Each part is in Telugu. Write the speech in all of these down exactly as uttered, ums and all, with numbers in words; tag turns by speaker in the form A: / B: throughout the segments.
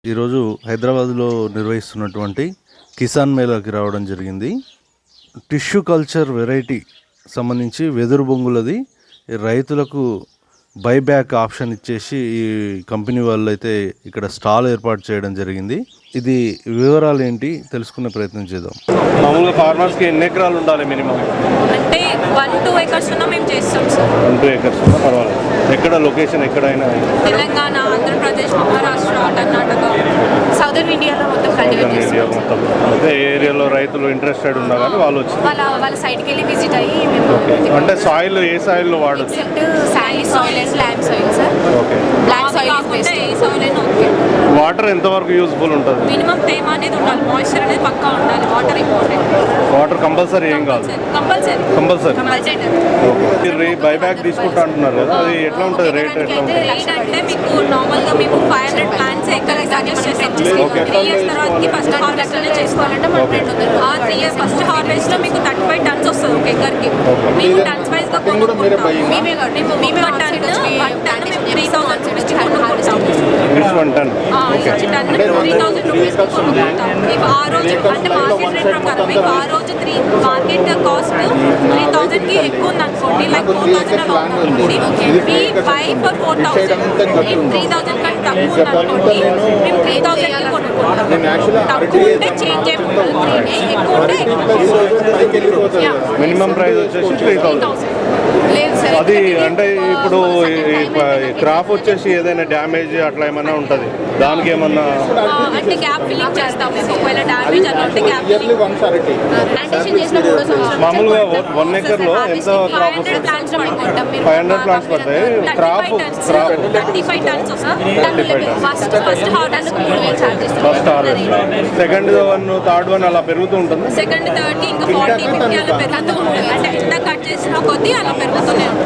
A: ఈరోజు హైదరాబాద్లో నిర్వహిస్తున్నటువంటి కిసాన్ మేళాకి రావడం జరిగింది. టిష్యూ కల్చర్ వెరైటీ సంబంధించి వెదురు బొంగులది రైతులకు బైబ్యాక్ ఆప్షన్ ఇచ్చేసి ఈ కంపెనీ వాళ్ళు అయితే ఇక్కడ స్టాల్ ఏర్పాటు చేయడం జరిగింది. ఇది వివరాలు ఏంటి తెలుసుకునే ప్రయత్నం చేద్దాం. మామూలుగా ఫార్మర్స్కి ఎన్ని ఎకరాలు ఉండాలి మినిమం?
B: అంటే వన్ టూ ఎకర్స్ ఉన్నా మేము చేస్తాం సార్.
A: వన్ టూ ఎకర్స్ ఉన్నా పర్వాలేదు. ఎక్కడ లొకేషన్ ఎక్కడైనా?
B: తెలంగాణ, ఆంధ్రప్రదేశ్, మహారాష్ట్ర, కర్ణాటక, సౌదర్న్ ఇండియాలో మొత్తం కల్టివేట్
A: ఇండియా
B: చేస్తాం.
A: మొత్తం అదే ఏరియాలో రైతులు ఇంట్రెస్టెడ్ ఉన్నా కానీ వాళ్ళు వచ్చి
B: వాళ్ళ వాళ్ళ సైడ్కి వెళ్ళి విజిట్ అయ్యి మేము
A: అంటే సాయిల్ ఏ సాయిల్లో వాడచ్చు?
B: Except sandy soil and black soil sir.
A: Okay.
B: Black soil is best. ఏ సాయిల్ అయినా ఓకే.
A: వాటర్ ఎంతవరకు యూజ్ఫుల్ ఉంటుంది?
B: మినిమం తేమ అనేది ఉండాలి, మాయిశ్చర్ అనేది పక్కా ఉండాలి. Water important.
A: వాటర్ కంపల్సరీ ఏం కాదు?
B: Compulsory
A: compulsory.
B: కంపల్సరీ.
A: బైబ్యాక్ తీసుకుంటా అంటున్నారు కదా, అది ఎట్లా ఉంటుంది? రేట్ ఎట్లా ఉంటుంది?
B: రేట్ అంటే మీకు నార్మల్గా మేము ఫైవ్ హండ్రెడ్ ప్లాంట్స్ ఎక్కడ సజెస్ట్ చేస్తాం. త్రీ ఇయర్స్ తర్వాతకి ఫస్ట్ హార్వెస్ట్ అనేది చేసుకోవాలంటే మన రేట్ ఉంది. ఆ త్రీ ఇయర్స్ ఫస్ట్ హార్వెస్ట్ లో మీకు థర్టీ ఫైవ్ టన్స్ వస్తుంది ఒక ఎకర్కి. మేము టన్స్ వైజ్ గా కొనుక్కుంటాం. మేమే మేమే వన్ టన్ వన్ టన్ మేము త్రీ థౌసండ్ రూపీస్కి కొనుక్కుంటాం.
A: One ton
B: ton three thousand rupees కొనుక్కుంటాం. మీకు ఆ రోజు అంటే మార్కెట్ రేట్ ప్రకారం మీకు ఆ రోజు three market cost three thousand కి ఎక్కువ ఉంది అనుకోండి, లైక్ ఫోర్ థౌసండ్ అలా ఉంది అనుకోండి, మీ buy for four thousand. Three thousand కంటే తక్కువ ఉంది అనుకోండి, మేము త్రీ థౌసండ్ కి కొనుక్కుంటాం. తక్కువ ఉంటే చేంజ్ అయిపోతుంది, త్రీనే ఎక్కువ ఉంటే
A: మినిమం ప్రైస్ వచ్చేసి త్రీ థౌసండ్.
B: లేదు సార్.
A: అది అంటే ఇప్పుడు క్రాప్ వచ్చేసి ఏదైనా డ్యామేజ్ అట్లా ఏమన్నా ఉంటుంది, దానికి ఏమన్నా
B: అంటే గ్యాప్ ఫిల్లింగ్ చేస్తాం. ఒకవేళ డ్యామేజ్ అలా ఉంటే గ్యాప్ ఫిల్లింగ్ ప్లాంటేషన్ చేసిన మూడో సంవత్సరం
A: మామూలుగా వన్ ఎకర్ లో ఎంత క్రాప్ వస్తుంది? ఫైవ్ హండ్రెడ్ ప్లాంట్స్ పడతాయి. Crop crop
B: thirty five tons first first harvest మూడు వేలు charges.
A: First harvest, second one, third one అలా పెరుగుతూ ఉంటుంది.
B: సెకండ్ థర్డ్ కి ఇంకా ఫార్టీ ఫిఫ్టీ అలా పెరుగుతూ ఉంటుంది. అంటే ఎంత కట్ చేసిన కొద్దీ అలా పెరుగుతూనే ఉంటుంది.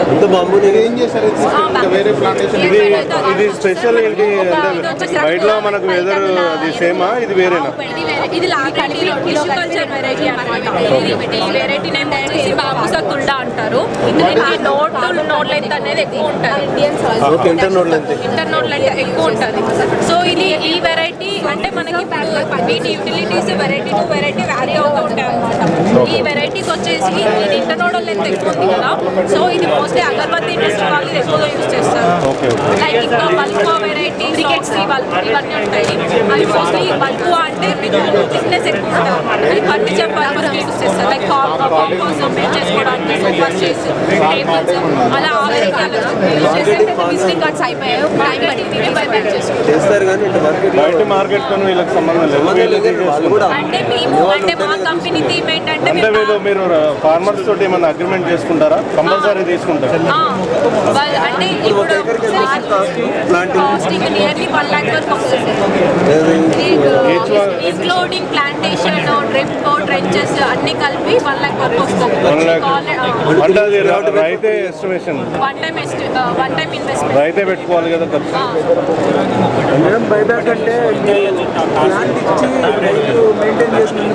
A: ఇది ఇది స్పెషల్ ఏంటి అంటే బయటలో మనకు వెదర్ అది సేమా, ఇది వేరేనా?
B: ఇది కల్చర్ వెరైటీ అన్నమాట. ఈ వెరైటీ నేమ్ వచ్చేసి బాబుసా కుల్డా అంటారు. ఇది నోట్ నోట్ లెంత్ అనేది ఎక్కువ ఉంటుంది. ఇంటర్ నోట్ లెంత్ ఎక్కువ ఉంటుంది. సో ఇది ఈ వెరైటీ అంటే మనకి వీటి utilities variety to variety vary అవుతూ ఉంటాయి అనమాట. ఈ వెరైటీకి వచ్చేసి ఇది ఇంటర్ నోట్ లెంత్ ఎక్కువ ఉంది కదా, సో ఇది మోస్ట్లీ అగరబత్తి ఇండస్ట్రీ వాళ్ళు ఇది ఎక్కువగా యూజ్ చేస్తారు. లైక్ ఇంకా బల్కువా వెరైటీ, క్రికెట్స్ ఇవన్నీ ఉంటాయి. అవి మోస్ట్లీ బల్కువా అంటే మీకు థిక్నెస్ ఎక్కువ ఉంటుంది అనమాట. అది ఫర్నిచర్ పర్పస్కి యూజ్ చేస్తారు. లైక్ కాంపౌండ్స్ బిల్డ్ చేసుకోవడానికి, సోఫాస్ చేసి, టేబుల్స్ అలా ఆ వెరైటీ అలా యూజ్ చేసి విజిటింగ్ కార్డ్స్ అయిపోయాయి. టైం పట్టింది బైబ్యాక్ చేసుకుంటారు.
A: బయట మార్కెట్ తో వీళ్ళకి సంబంధం లేదు.
B: అంటే మేము అంటే మా కంపెనీ థీమ్ ఏంటంటే
A: అంటే వీళ్ళు మీరు ఫార్మర్స్ తోటి ఏమైనా అగ్రిమెంట్ చేసుకుంటారా? కంపల్సరీ తీసుకుంటారు.
B: అంటే ఇప్పుడు కాస్టింగ్ నియర్లీ వన్ లాక్ వరకు వస్తుంది, ఇంక్లూడింగ్ ప్లాంటేషన్, డ్రిప్, ట్రెంచెస్ అన్ని కలిపి వన్ లాక్ వరకు వస్తుంది.
A: అంటే అది రైతే estimation,
B: one time one time investment
A: రైతే పెట్టుకోవాలి కదా ఖర్చు.
C: బైబ్యాక్ అంటే ప్లాంట్ ఇచ్చి రైతు మెయింటైన్ చేసిన